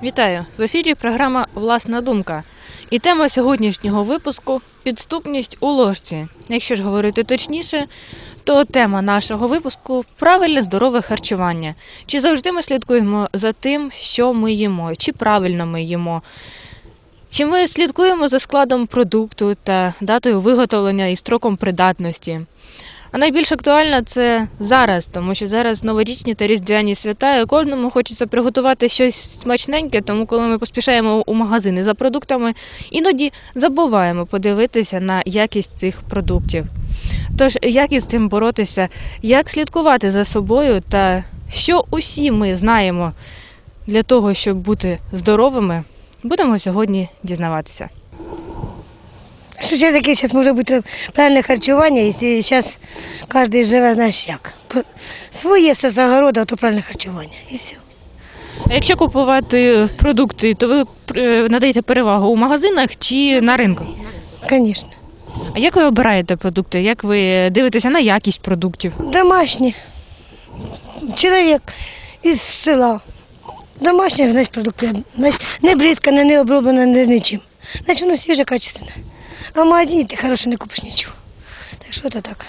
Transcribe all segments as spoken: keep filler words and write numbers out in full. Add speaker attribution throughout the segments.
Speaker 1: Вітаю! В ефірі програма «Власна думка». І тема сьогоднішнього випуску – підступність у ложці. Якщо ж говорити точніше, то тема нашого випуску – правильне здорове харчування. Чи завжди ми слідкуємо за тим, що ми їмо, чи правильно ми їмо? Чи ми слідкуємо за складом продукту та датою виготовлення і строком придатності? А найбільш актуально це зараз, тому що зараз новорічні та різдвяні свята, і кожному хочеться приготувати щось смачненьке, тому коли ми поспішаємо у магазини за продуктами, іноді забуваємо подивитися на якість цих продуктів. Тож, як із цим боротися, як слідкувати за собою та що усі ми знаємо для того, щоб бути здоровими, будемо сьогодні дізнаватися.
Speaker 2: Що ще таке зараз може бути правильне харчування, якщо зараз кожен живе, знаєш як. Своє все з огорода, то правильне харчування і все.
Speaker 1: А якщо купувати продукти, то ви надаєте перевагу у магазинах чи на ринку?
Speaker 2: Звісно.
Speaker 1: А як ви обираєте продукти? Як ви дивитеся на якість продуктів?
Speaker 2: Домашні. Чоловік із села. Домашні, значить, продукти. Не бризкане, не оброблене, не нічим. Значить, воно свіже, качественне. А в магазині ти хороше не купиш нічого. Так що це так.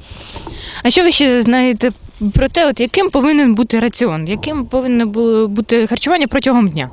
Speaker 1: А що ви ще знаєте про те, от яким повинен бути раціон? Яким повинно бути харчування протягом дня?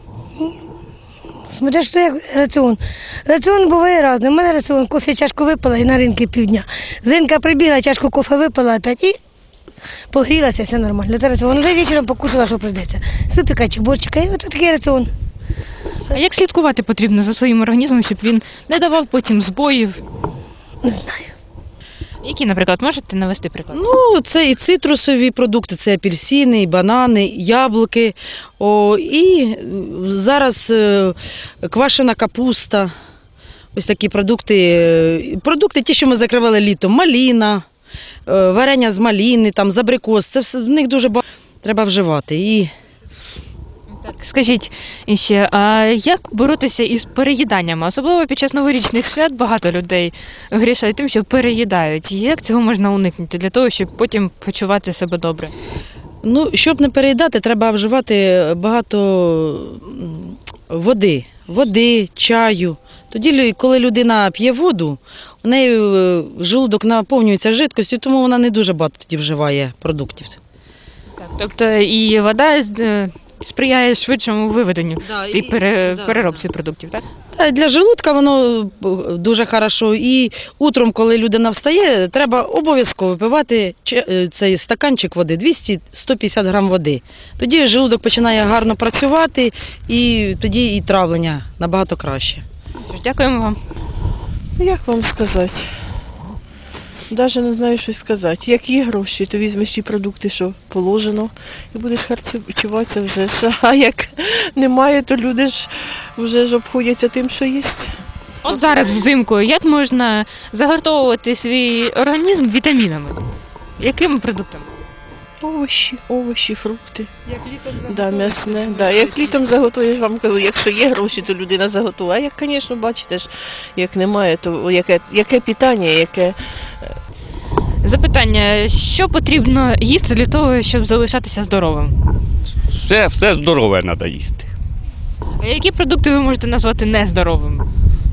Speaker 2: Смотря, що як раціон. Раціон буває різний. У мене раціон, кофе чашку випила і на ринку півдня. З ринка прибігла, чашку кофе випила опять і погрілася, все нормально. Це раціон. Вже вечором покушала, що приб'ється. Супіка чи борчика, і от такий раціон.
Speaker 1: А як слідкувати потрібно за своїм організмом, щоб він не давав потім збоїв?
Speaker 2: Не знаю.
Speaker 1: Які, наприклад, можете навести приклад?
Speaker 3: Ну, це і цитрусові продукти, це апельсини, і банани, яблуки. О, і зараз е, квашена капуста. Ось такі продукти. Продукти ті, що ми закривали літом. Маліна, е, варення з маліни, там, з абрикос. Це все, в них дуже багато треба вживати. І
Speaker 1: Так, скажіть ще, а як боротися із переїданнями? Особливо під час новорічних свят багато людей грішать тим, що переїдають. Як цього можна уникнути для того, щоб потім почувати себе добре?
Speaker 3: Ну, щоб не переїдати, треба вживати багато води, води, чаю. Тоді, коли людина п'є воду, у неї желудок наповнюється жидкістю, тому вона не дуже багато тоді вживає продуктів.
Speaker 1: Так, тобто і вода сприяє швидшому виведенню
Speaker 3: Да,
Speaker 1: і, і пере, да, переробці да. продуктів, так?
Speaker 3: Та для желудка воно дуже хорошо. І утром, коли людина встає, треба обов'язково випивати цей стаканчик води, двісті - сто п'ятдесят грам води. Тоді желудок починає гарно працювати, і тоді і травлення набагато краще.
Speaker 1: Дякуємо вам.
Speaker 4: Як вам сказати? Навіть не знаю, що сказати. Як є гроші, то візьмеш ті продукти, що положено, і будеш харчувати вже. А як немає, то люди ж вже ж обходяться тим, що є.
Speaker 1: От зараз взимку, як можна загартовувати свій організм вітамінами? Якими продуктами?
Speaker 4: Овочі, овочі, фрукти.
Speaker 1: Як літом
Speaker 4: да, м'ясне. Да. Як літом заготуєш, вам кажу, якщо є гроші, то людина заготує. А як, звісно, бачите ж, як немає, то яке, яке питання, яке...
Speaker 1: Запитання, що потрібно їсти для того, щоб залишатися здоровим?
Speaker 5: Все, все здорове треба їсти.
Speaker 1: А які продукти ви можете назвати нездоровими?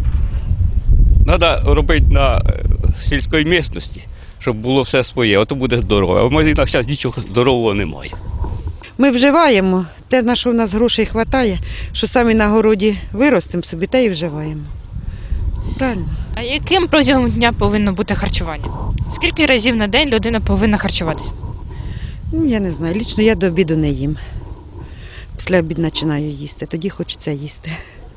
Speaker 5: Треба робити на сільській місцевості, щоб було все своє, ото буде здорове. А в магазинах зараз нічого здорового немає.
Speaker 6: Ми вживаємо те, на що в нас грошей вистачає, що самі на городі виростемо собі, те і вживаємо. Правильно?
Speaker 1: А яким протягом дня повинно бути харчування? Скільки разів на день людина повинна харчуватися?
Speaker 6: Ну, я не знаю, лічно я до обіду не їм. Після обіду починаю їсти, тоді хочеться їсти.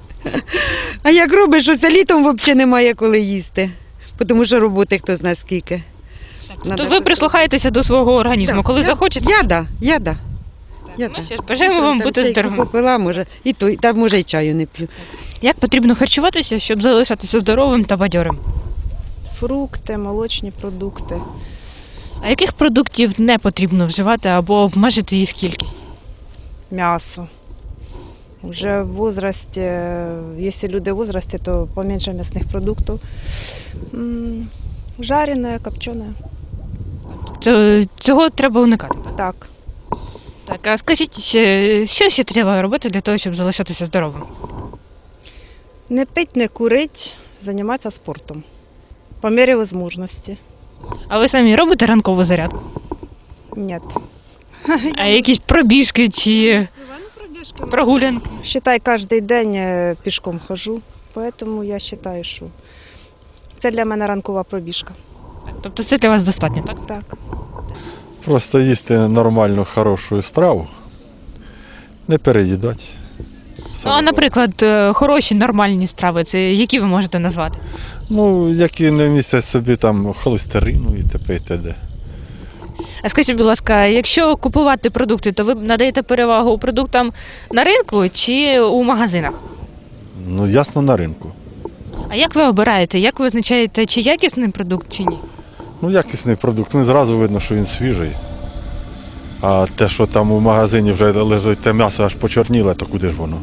Speaker 6: А як робиш, що це літом взагалі немає коли їсти, тому що роботи хто знає скільки.
Speaker 1: Так, то ви прислухаєтеся до свого організму,
Speaker 6: да,
Speaker 1: коли
Speaker 6: я,
Speaker 1: захочете?
Speaker 6: Я да, я да. Я
Speaker 1: Ну,
Speaker 6: да.
Speaker 1: що ж, бажаємо вам
Speaker 6: Там
Speaker 1: бути
Speaker 6: чайку
Speaker 1: здоровим.
Speaker 6: попила, може, і то, та може і чаю не п'ю.
Speaker 1: Як потрібно харчуватися, щоб залишатися здоровим та бадьорим?
Speaker 7: Фрукти, молочні продукти.
Speaker 1: А яких продуктів не потрібно вживати або обмежити їх кількість?
Speaker 7: М'ясо. Вже в возрасті, якщо люди в возрасті, то поменше м'ясних продуктів. М, Жарене, копчене.
Speaker 1: Цього треба уникати, так?
Speaker 7: Так.
Speaker 1: Так, а скажіть, ще, що ще треба робити для того, щоб залишатися здоровим?
Speaker 7: Не пить, не курить, займатися спортом. По мірі можливості.
Speaker 1: А ви самі робите ранкову зарядку?
Speaker 7: Ні.
Speaker 1: А якісь пробіжки чи прогулянки?
Speaker 7: Считай, кожен день е, пішком ходжу, тому я вважаю, що це для мене ранкова пробіжка.
Speaker 1: Тобто це для вас достатньо, так?
Speaker 7: Так.
Speaker 8: Просто їсти нормальну, хорошу страву, не переїдати.
Speaker 1: Ну, а, наприклад, е, хороші нормальні страви, це які ви можете назвати?
Speaker 8: Ну, які не містять собі там холестерину і т.п. і т.д.
Speaker 1: А скажіть, будь ласка, якщо купувати продукти, то ви надаєте перевагу продуктам на ринку чи у магазинах?
Speaker 8: Ну, ясно, на ринку.
Speaker 1: А як ви обираєте? Як ви визначаєте, чи якісний продукт, чи ні?
Speaker 8: Ну, якісний продукт, ну, зразу видно, що він свіжий. А те, що там у магазині вже лежить те м'ясо аж почорніле, то куди ж воно?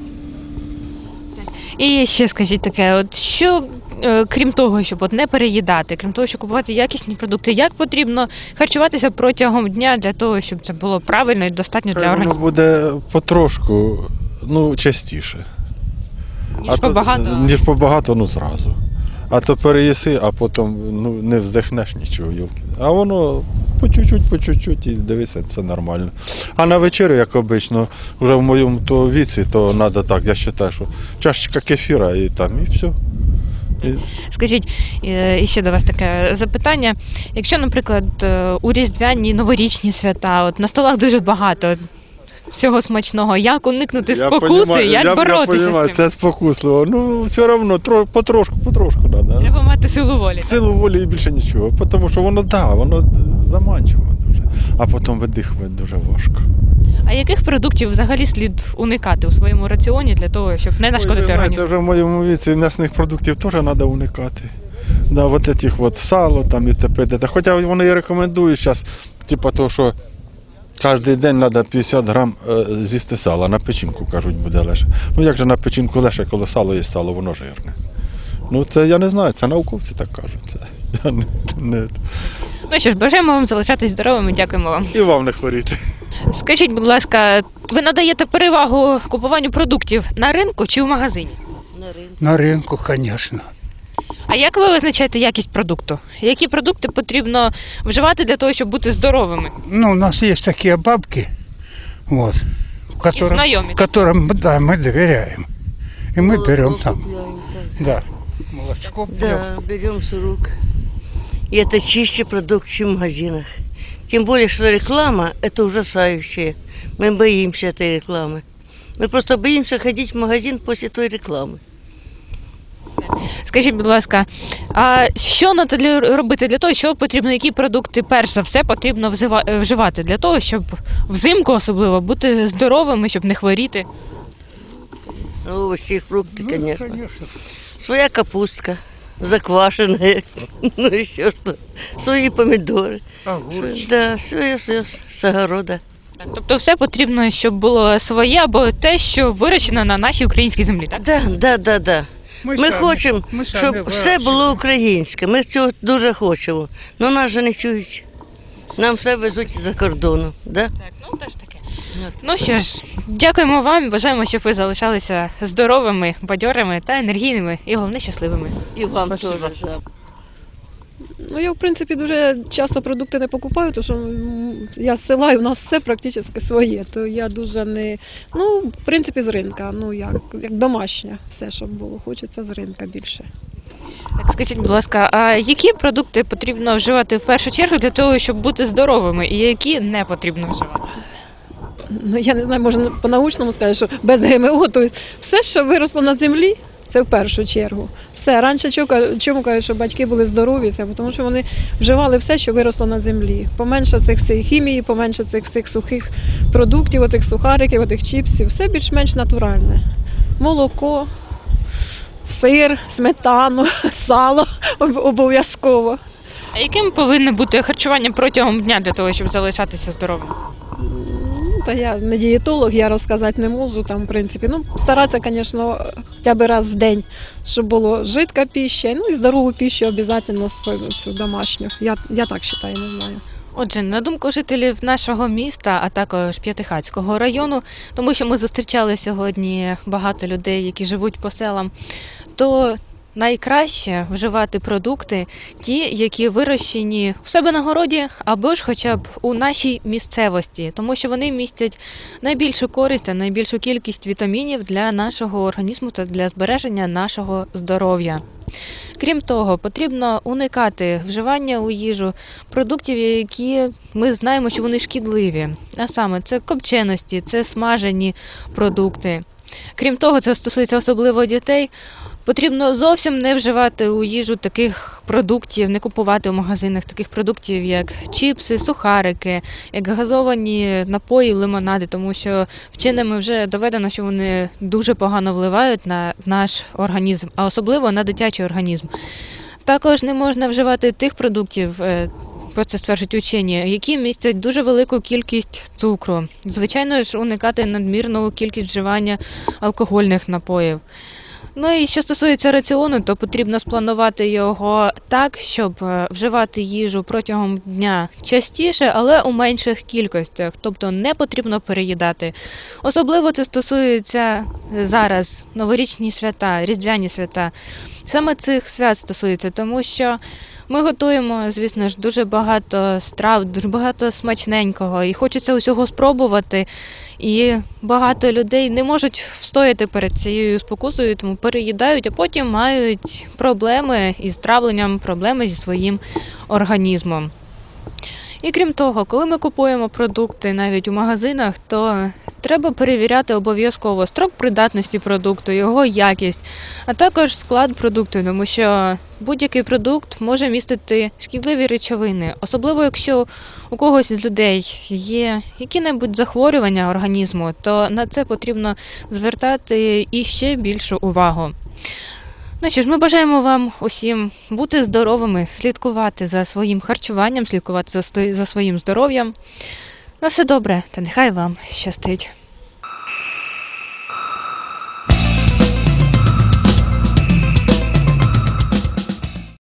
Speaker 1: І ще скажіть таке, от що, е, крім того, щоб от не переїдати, крім того, щоб купувати якісні продукти, як потрібно харчуватися протягом дня для того, щоб це було правильно і достатньо для
Speaker 8: Воно
Speaker 1: організму?
Speaker 8: буде потрошку, ну, частіше.
Speaker 1: Ніж
Speaker 8: А то-
Speaker 1: побагато?
Speaker 8: Ніж побагато, ну, зразу. А то переїси, а потім ну, не вздихнеш нічого. Йолки. А воно по чуть-чуть, по чуть-чуть і дивися, це нормально. А на вечерю, як обично, вже в моєму то віці, то треба так, я вважаю, що чашечка кефіра і там, і все. І...
Speaker 1: Скажіть, е, і ще до вас таке запитання. Якщо, наприклад, е, у різдвяні новорічні свята, от на столах дуже багато всього смачного, як уникнути спокуси,
Speaker 8: понімаю,
Speaker 1: як
Speaker 8: я,
Speaker 1: боротися
Speaker 8: я понімаю,
Speaker 1: з цим?
Speaker 8: це спокусливо. Ну, все одно, тро, потрошку, потрошку треба.
Speaker 1: Треба мати силу волі.
Speaker 8: Силу волі і більше нічого. Тому що воно, да, воно заманчиво дуже. А потім видихувати дуже важко.
Speaker 1: А яких продуктів взагалі слід уникати у своєму раціоні для того, щоб не нашкодити
Speaker 8: Ой, ви знаєте,
Speaker 1: організму?
Speaker 8: вже в моєму віці м'ясних продуктів теж треба уникати. Да, от этих от сало там і т.п. Хоча вони і рекомендують зараз, типу того, що кожен день треба п'ятдесят грам е, з'їсти сала. На печінку, кажуть, буде легше. Ну як же на печінку легше, коли сало є сало, воно жирне. Ну це я не знаю, це науковці так кажуть. Це, я не, не...
Speaker 1: Ну що ж, бажаємо вам залишатись здоровими, дякуємо вам.
Speaker 8: І вам не хворіти.
Speaker 1: Скажіть, будь ласка, ви надаєте перевагу купуванню продуктів на ринку чи в магазині?
Speaker 9: На ринку, звісно.
Speaker 1: А як ви визначаєте якість продукту? Які продукти потрібно вживати для того, щоб бути здоровими?
Speaker 9: Ну, у нас есть такие бабки, вот, которым,
Speaker 1: знакомые.
Speaker 9: которым да, мы доверяем. И мы берем там. Да. Молочко пьем.
Speaker 10: Да, берем с рук. И это чище продукт, чем в магазинах. Тем более, что реклама – это ужасающее. Мы боимся этой рекламы. Мы просто боимся ходить в магазин после той рекламы.
Speaker 1: Скажіть, будь ласка, а що надо для- робити для того, що потрібно, які продукти перш за все потрібно взива- вживати для того, щоб взимку особливо бути здоровими, щоб не хворіти?
Speaker 10: Овощи и фрукты,
Speaker 9: Ну,
Speaker 10: конечно.
Speaker 9: конечно.
Speaker 10: Своя капустка, заквашенная, ну еще что. Свои помидоры.
Speaker 9: Огурчик.
Speaker 10: Да, все, все с огорода.
Speaker 1: Так, тобто все потрібно, щоб було своє або те, що вирощено на нашій українській землі, так?
Speaker 10: Да, да, да, да. Ми
Speaker 9: самі-
Speaker 10: хочемо,
Speaker 9: ми самі
Speaker 10: щоб все
Speaker 9: вирощуємо.
Speaker 10: було українське. Ми цього дуже хочемо. Але нас же не чують. Нам все везуть із-за кордону. Да?
Speaker 1: Так, ну теж таке. Ну що ж, дякуємо вам і бажаємо, щоб ви залишалися здоровими, бадьорими та енергійними і головне щасливими.
Speaker 10: І вам теж.
Speaker 11: Ну, я, в принципі, дуже часто продукти не покупаю, тому що м, я з села, і у нас все практично своє. То я дуже не. Ну, в принципі, з ринка. Ну, як, як домашнє, все, щоб було. Хочеться з ринка більше.
Speaker 1: Так, скажіть, будь ласка, а які продукти потрібно вживати в першу чергу для того, щоб бути здоровими, і які не потрібно вживати?
Speaker 11: Ну, я не знаю, можна по-научному сказати, що без ГМО, то все, що виросло на землі, це в першу чергу. Все. Раніше чому кажуть- чому кажуть, що батьки були здорові, це тому що вони вживали все, що виросло на землі. Поменше цих всіх хімії, поменше цих всіх сухих продуктів, отих сухариків, отих чіпсів, все більш-менш натуральне. Молоко, сир, сметану, сало об- обов'язково.
Speaker 1: А яким повинно бути харчування протягом дня для того, щоб залишатися здоровим?
Speaker 11: Ну, та я не дієтолог, я розказати не можу там, в принципі. Ну, старатися, звісно, хоча б раз в день, щоб було жидка піща, ну і здорову піщу обов'язково свою цю домашню. Я, я так вважаю, не знаю.
Speaker 1: Отже, на думку жителів нашого міста, а також П'ятихатського району, тому що ми зустрічали сьогодні багато людей, які живуть по селам, то найкраще вживати продукти ті, які вирощені у себе на городі або ж хоча б у нашій місцевості, тому що вони містять найбільшу користь та найбільшу кількість вітамінів для нашого організму та для збереження нашого здоров'я. Крім того, потрібно уникати вживання у їжу продуктів, які ми знаємо, що вони шкідливі. А саме, це копченості, це смажені продукти. Крім того, це стосується особливо дітей. Потрібно зовсім не вживати у їжу таких продуктів, не купувати у магазинах таких продуктів, як чіпси, сухарики, як газовані напої, лимонади, тому що вченими вже доведено, що вони дуже погано впливають на наш організм, а особливо на дитячий організм. Також не можна вживати тих продуктів, про це стверджують учені, які містять дуже велику кількість цукру. Звичайно ж, уникати надмірну кількість вживання алкогольних напоїв. Ну і що стосується раціону, то потрібно спланувати його так, щоб вживати їжу протягом дня частіше, але у менших кількостях, тобто не потрібно переїдати. Особливо це стосується зараз новорічні свята, різдвяні свята. Саме цих свят стосується, тому що ми готуємо, звісно ж, дуже багато страв, дуже багато смачненького, і хочеться усього спробувати. І багато людей не можуть встояти перед цією спокусою, тому переїдають, а потім мають проблеми із травленням, проблеми зі своїм організмом. І крім того, коли ми купуємо продукти навіть у магазинах, то треба перевіряти обов'язково строк придатності продукту, його якість, а також склад продукту, тому що будь-який продукт може містити шкідливі речовини, особливо якщо у когось з людей є які-небудь захворювання організму, то на це потрібно звертати іще більшу увагу. Ну що ж, ми бажаємо вам усім бути здоровими, слідкувати за своїм харчуванням, слідкувати за, за своїм здоров'ям. На все добре, та нехай вам щастить.